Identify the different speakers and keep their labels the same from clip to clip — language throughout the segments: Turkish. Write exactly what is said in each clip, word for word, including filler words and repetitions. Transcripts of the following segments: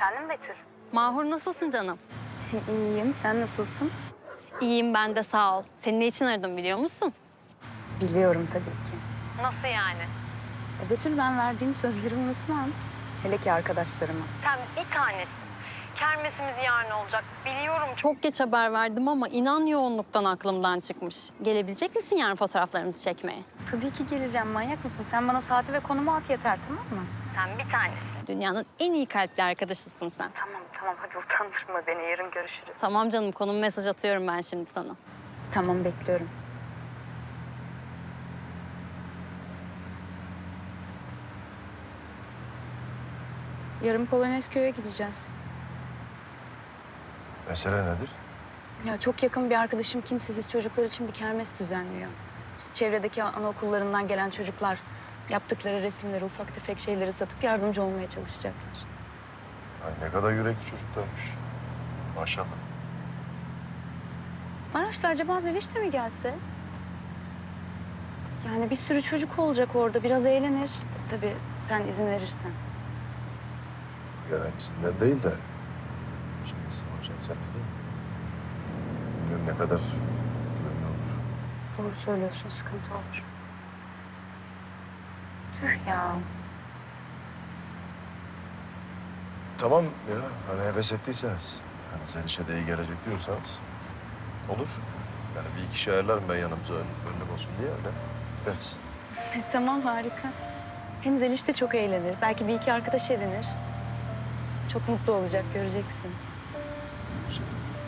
Speaker 1: Efendim Betül?
Speaker 2: Mahur nasılsın canım?
Speaker 1: İyiyim, sen nasılsın?
Speaker 2: İyiyim ben de sağ ol. Seni ne için aradım biliyor musun?
Speaker 1: Biliyorum tabii ki.
Speaker 2: Nasıl yani?
Speaker 1: E, Betül, ben verdiğim sözleri unutmam. Hele ki arkadaşlarıma.
Speaker 2: Sen bir tanesin. Kermesimiz yarın olacak. Biliyorum çok geç haber verdim ama inan yoğunluktan aklımdan çıkmış. Gelebilecek misin yarın fotoğraflarımızı çekmeye?
Speaker 1: Tabii ki geleceğim, manyak mısın? Sen bana saati ve konumu at yeter, tamam mı?
Speaker 2: Sen bir tanesin. Dünyanın en iyi kalpli arkadaşısın sen.
Speaker 1: Tamam tamam, hadi utandırma beni, yarın görüşürüz.
Speaker 2: Tamam canım konum mesaj atıyorum ben şimdi sana.
Speaker 1: Tamam, bekliyorum. Yarın Polonezköy'e gideceğiz.
Speaker 3: Mesele nedir?
Speaker 1: Ya çok yakın bir arkadaşım kimsesiz çocuklar için bir kermes düzenliyor. İşte çevredeki anaokullarından gelen çocuklar yaptıkları resimleri, ufak tefek şeyleri satıp yardımcı olmaya çalışacaklar.
Speaker 3: Ay ne kadar yürekli çocuklarmış. Maşallah.
Speaker 1: Maraş'ta acaba Zeliş de mi gelse? Yani bir sürü çocuk olacak orada, biraz eğlenir. Tabii sen izin verirsen.
Speaker 3: Gereğisinden değil de. Şimdi savaşacaksanız değil mi? Bilmiyorum ne kadar güvenli olur.
Speaker 1: Doğru söylüyorsun, sıkıntı olur. Tüh ya.
Speaker 3: Tamam ya, hani heves ettiyseniz. Hani Zeliş'e de iyi gelecek diyorsanız. Olur. Yani bir iki şey ayarlarım ben yanımıza ön, önlük olsun diye öyle gideriz.
Speaker 1: Tamam, harika. Hem Zeliş de çok eğlenir. Belki bir iki arkadaş edinir. Çok mutlu olacak, göreceksin.
Speaker 3: Güzel.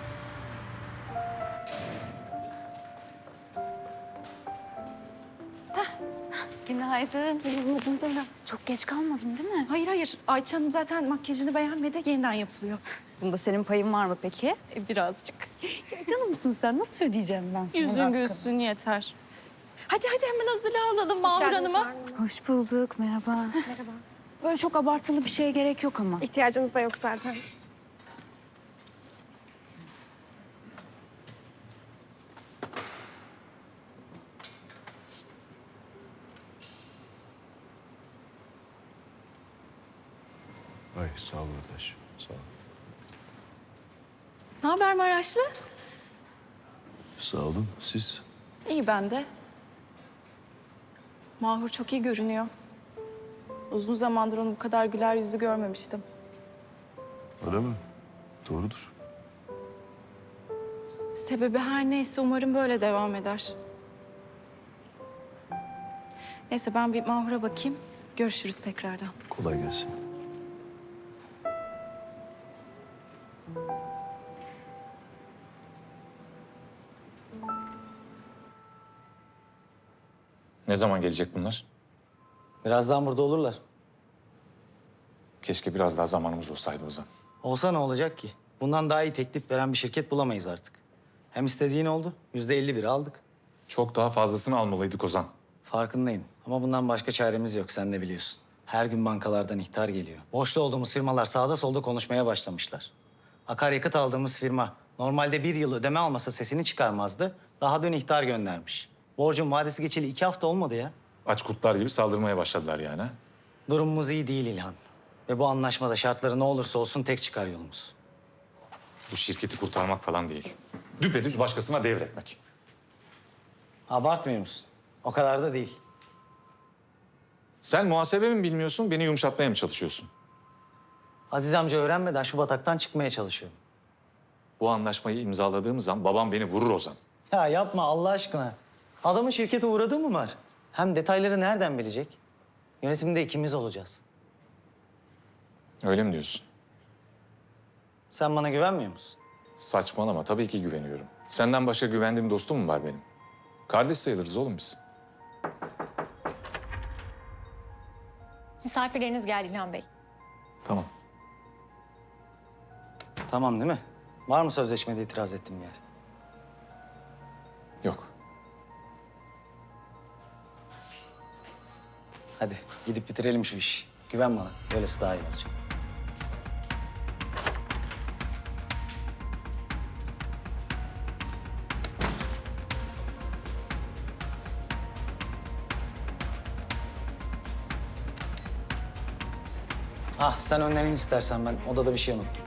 Speaker 1: Günaydın. Uyumadın değil mi? Çok geç kalmadım değil mi?
Speaker 4: Hayır hayır. Ayça Hanım zaten makyajını beğenmedi. Yeniden yapılıyor.
Speaker 1: Bunda senin payın var mı peki?
Speaker 4: E, birazcık.
Speaker 1: Canımsın sen. Nasıl ödeyeceğim ben sana?
Speaker 4: Yüzün
Speaker 1: hakkını?
Speaker 4: gülsün yeter. Hadi hadi hemen hazırlanalım Mahur Hanım'a.
Speaker 1: Hoş bulduk. Merhaba. Merhaba. Böyle çok abartılı bir şeye gerek yok ama.
Speaker 5: İhtiyacınız da yok zaten.
Speaker 3: Ay sağ ol kardeş. Sağ ol.
Speaker 4: Ne haber Maraşlı?
Speaker 3: Sağ olun. Siz?
Speaker 4: İyi ben de. Mahur çok iyi görünüyor. Uzun zamandır onu bu kadar güler yüzlü görmemiştim.
Speaker 3: Öyle mi? Doğrudur.
Speaker 4: Sebebi her neyse umarım böyle devam eder. Neyse ben bir Mahur'a bakayım. Görüşürüz tekrardan.
Speaker 3: Kolay gelsin.
Speaker 6: Ne zaman gelecek bunlar?
Speaker 7: Birazdan burada olurlar.
Speaker 6: Keşke biraz daha zamanımız olsaydı Ozan.
Speaker 7: Olsa ne olacak ki? Bundan daha iyi teklif veren bir şirket bulamayız artık. Hem istediğin oldu. Yüzde elli biri aldık.
Speaker 6: Çok daha fazlasını almalıydık Ozan.
Speaker 7: Farkındayım. Ama bundan başka çaremiz yok. Sen de biliyorsun. Her gün bankalardan ihtar geliyor. Borçlu olduğumuz firmalar sağda solda konuşmaya başlamışlar. Akaryakıt aldığımız firma normalde bir yıl ödeme almasa sesini çıkarmazdı. Daha dün ihtar göndermiş. Borcun vadesi geçeli iki hafta olmadı ya.
Speaker 6: Aç kurtlar gibi saldırmaya başladılar yani. ha?
Speaker 7: Durumumuz iyi değil İlhan. Ve bu anlaşmada şartları ne olursa olsun tek çıkar yolumuz.
Speaker 6: Bu şirketi kurtarmak falan değil. Düpedüz başkasına devretmek.
Speaker 7: Abartmıyor musun? O kadar da değil.
Speaker 6: Sen muhasebe mi bilmiyorsun, beni yumuşatmaya mı çalışıyorsun?
Speaker 7: Aziz amca öğrenmeden şu bataktan çıkmaya çalışıyorum.
Speaker 6: Bu anlaşmayı imzaladığımız an babam beni vurur Ozan.
Speaker 7: Ya yapma Allah aşkına. Adamın şirkete uğradığı mı var? Hem detayları nereden bilecek? Yönetimde ikimiz olacağız.
Speaker 6: Öyle mi diyorsun?
Speaker 7: Sen bana güvenmiyor musun?
Speaker 6: Saçmalama, tabii ki güveniyorum. Senden başka güvendiğim dostum mu var benim? Kardeş sayılırız oğlum biz.
Speaker 8: Misafirleriniz geldi İlhan Bey.
Speaker 6: Tamam.
Speaker 7: Tamam değil mi? Var mı sözleşmede itiraz ettiğim yer?
Speaker 6: Yok.
Speaker 7: Hadi gidip bitirelim şu işi. Güven bana. Böylesi daha iyi olacak. Ah sen önden in istersen, ben odada bir şey unuttum.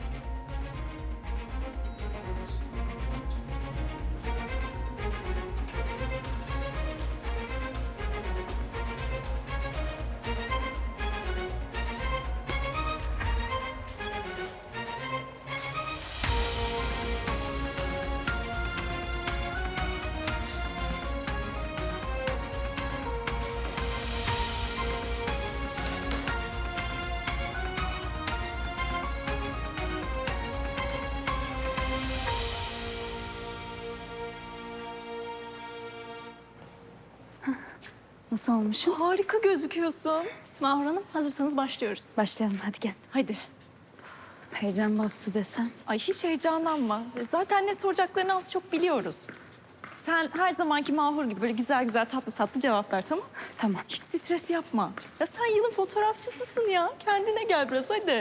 Speaker 1: Nasıl olmuşum?
Speaker 4: Harika gözüküyorsun. Mahur Hanım, hazırsanız başlıyoruz.
Speaker 1: Başlayalım hadi gel.
Speaker 4: Hadi.
Speaker 1: Heyecan bastı desem.
Speaker 4: Ay hiç heyecanlanma. Zaten ne soracaklarını az çok biliyoruz. Sen her zamanki Mahur gibi böyle güzel güzel tatlı tatlı cevap ver, tamam?
Speaker 1: Tamam.
Speaker 4: Hiç stres yapma. Ya sen yılın fotoğrafçısısın ya. Kendine gel biraz hadi.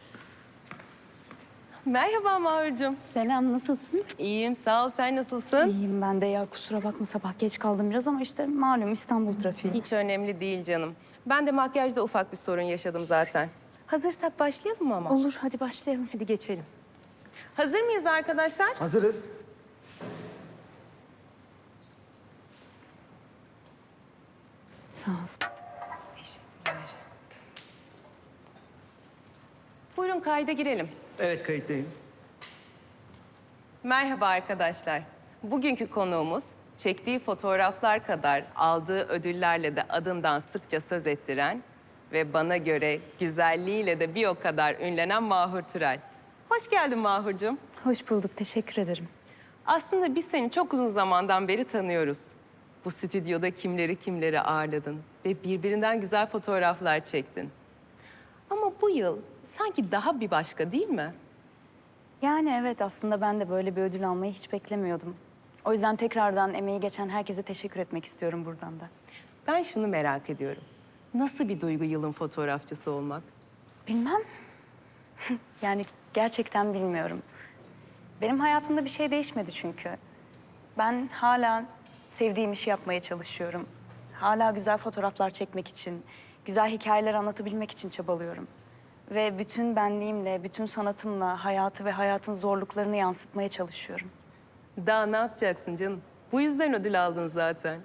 Speaker 5: Merhaba Mahurcuğum.
Speaker 1: Selam, nasılsın?
Speaker 5: İyiyim, sağ ol. Sen nasılsın?
Speaker 1: İyiyim ben de ya. Kusura bakma sabah geç kaldım biraz ama işte malum İstanbul trafiği.
Speaker 5: Hiç önemli değil canım. Ben de makyajda ufak bir sorun yaşadım zaten. Hazırsak başlayalım mı ama?
Speaker 1: Olur, hadi başlayalım.
Speaker 5: Hadi geçelim. Hazır mıyız arkadaşlar?
Speaker 7: Hazırız.
Speaker 1: Sağ ol.
Speaker 5: Teşekkürler. Buyurun kayda girelim.
Speaker 8: Evet, kayıttayım.
Speaker 5: Merhaba arkadaşlar. Bugünkü konuğumuz çektiği fotoğraflar kadar aldığı ödüllerle de adından sıkça söz ettiren ve bana göre güzelliğiyle de bir o kadar ünlenen Mahur Türel. Hoş geldin Mahurcuğum.
Speaker 1: Hoş bulduk, teşekkür ederim.
Speaker 5: Aslında biz seni çok uzun zamandan beri tanıyoruz. Bu stüdyoda kimleri kimleri ağırladın ve birbirinden güzel fotoğraflar çektin. Ama bu yıl sanki daha bir başka değil mi?
Speaker 1: Yani evet aslında ben de böyle bir ödül almayı hiç beklemiyordum. O yüzden tekrardan emeği geçen herkese teşekkür etmek istiyorum buradan da.
Speaker 5: Ben şunu merak ediyorum. Nasıl bir duygu yılın fotoğrafçısı olmak?
Speaker 1: Bilmem. Yani gerçekten bilmiyorum. Benim hayatımda bir şey değişmedi çünkü. Ben hala sevdiğim işi yapmaya çalışıyorum. Hala güzel fotoğraflar çekmek için, güzel hikayeler anlatabilmek için çabalıyorum. Ve bütün benliğimle, bütün sanatımla hayatı ve hayatın zorluklarını yansıtmaya çalışıyorum.
Speaker 5: Daha ne yapacaksın canım? Bu yüzden ödül aldın zaten.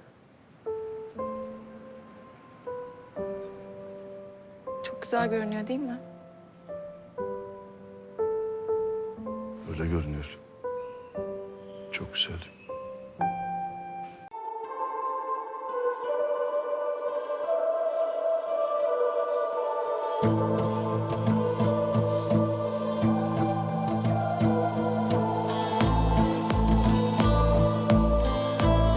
Speaker 4: Çok güzel görünüyor değil mi?
Speaker 3: Öyle görünüyor. Çok güzel.